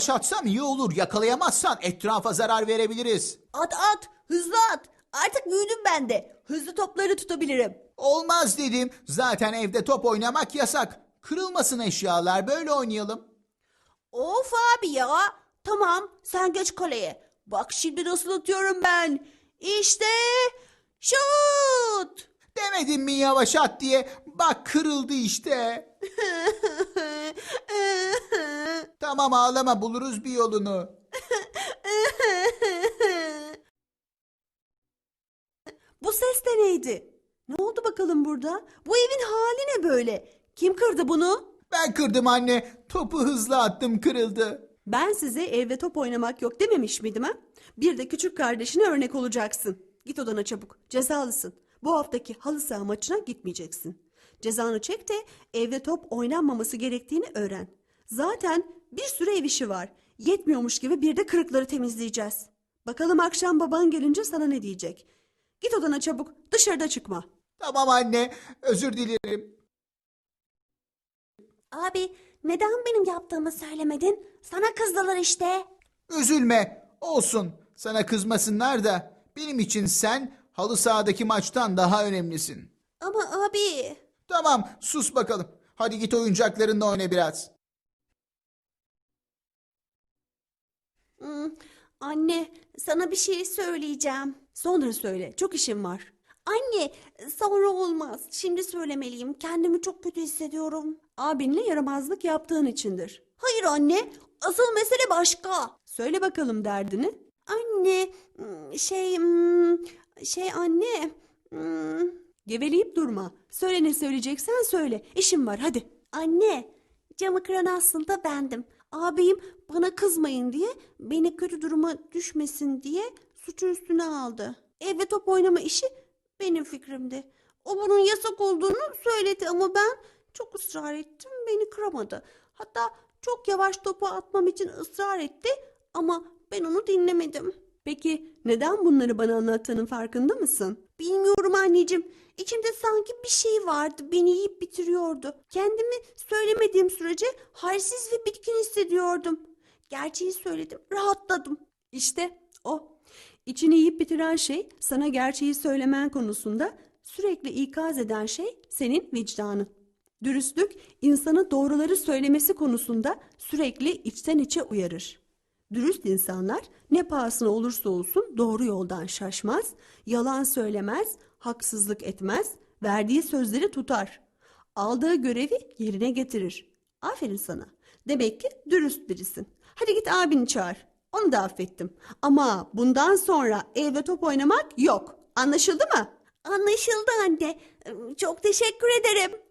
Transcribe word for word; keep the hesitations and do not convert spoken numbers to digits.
atsam iyi olur. Yakalayamazsan etrafa zarar verebiliriz. At at, hızlı at. Artık büyüdüm ben de. Hızlı topları tutabilirim. Olmaz dedim. Zaten evde top oynamak yasak. Kırılmasın eşyalar, böyle oynayalım. Of abi ya. Tamam, sen geç kaleye. Bak şimdi nasıl atıyorum ben. İşte şut. Demedim mi yavaş at diye? Bak kırıldı işte. Tamam ağlama, buluruz bir yolunu. Bu ses de neydi? Ne oldu bakalım burada? Bu evin hali ne böyle? Kim kırdı bunu? Ben kırdım anne. Topu hızlı attım, kırıldı. Ben size evde top oynamak yok dememiş miydim ha? Bir de küçük kardeşine örnek olacaksın. Git odana çabuk. Cezalısın. Bu haftaki halı saha maçına gitmeyeceksin. Cezanı çek de evde top oynanmaması gerektiğini öğren. Zaten bir sürü ev işi var. Yetmiyormuş gibi bir de kırıkları temizleyeceğiz. Bakalım akşam baban gelince sana ne diyecek? Git odana çabuk. Dışarıda çıkma. Tamam anne, özür dilerim. Abi neden benim yaptığımı söylemedin? Sana kızdılar işte. Üzülme, olsun. Sana kızmasınlar da benim için sen halı sahadaki maçtan daha önemlisin. Ama abi... Tamam, sus bakalım. Hadi git oyuncaklarınla oyna biraz. Hmm, anne, sana bir şey söyleyeceğim. Sonra söyle, çok işim var. Anne, sonra olmaz. Şimdi söylemeliyim. Kendimi çok kötü hissediyorum. Abinle yaramazlık yaptığın içindir. Hayır anne, asıl mesele başka. Söyle bakalım derdini. Anne, hmm, şey, hmm, şey anne. hmm. Geveleyip durma. Söyle, ne söyleyeceksen söyle. İşim var, hadi. Anne, camı kıran aslında bendim. Abim bana kızmayın diye, beni kötü duruma düşmesin diye suçu üstüne aldı. Evde top oynama işi benim fikrimdi. O bunun yasak olduğunu söyledi ama ben çok ısrar ettim, beni kıramadı. Hatta çok yavaş topu atmam için ısrar etti ama ben onu dinlemedim. Peki neden bunları bana anlattığının farkında mısın? Bilmiyorum anneciğim. İçimde sanki bir şey vardı, beni yiyip bitiriyordu. Kendimi söylemediğim sürece halsiz ve bitkin hissediyordum. Gerçeği söyledim, rahatladım. İşte o. İçini yiyip bitiren şey, sana gerçeği söylemen konusunda sürekli ikaz eden şey senin vicdanın. Dürüstlük, insanı doğruları söylemesi konusunda sürekli içten içe uyarır. Dürüst insanlar ne pahasına olursa olsun doğru yoldan şaşmaz, yalan söylemez, haksızlık etmez, verdiği sözleri tutar. Aldığı görevi yerine getirir. Aferin sana. Demek ki dürüst birisin. Hadi git abini çağır. Onu da affettim. Ama bundan sonra evde top oynamak yok. Anlaşıldı mı? Anlaşıldı anne. Çok teşekkür ederim.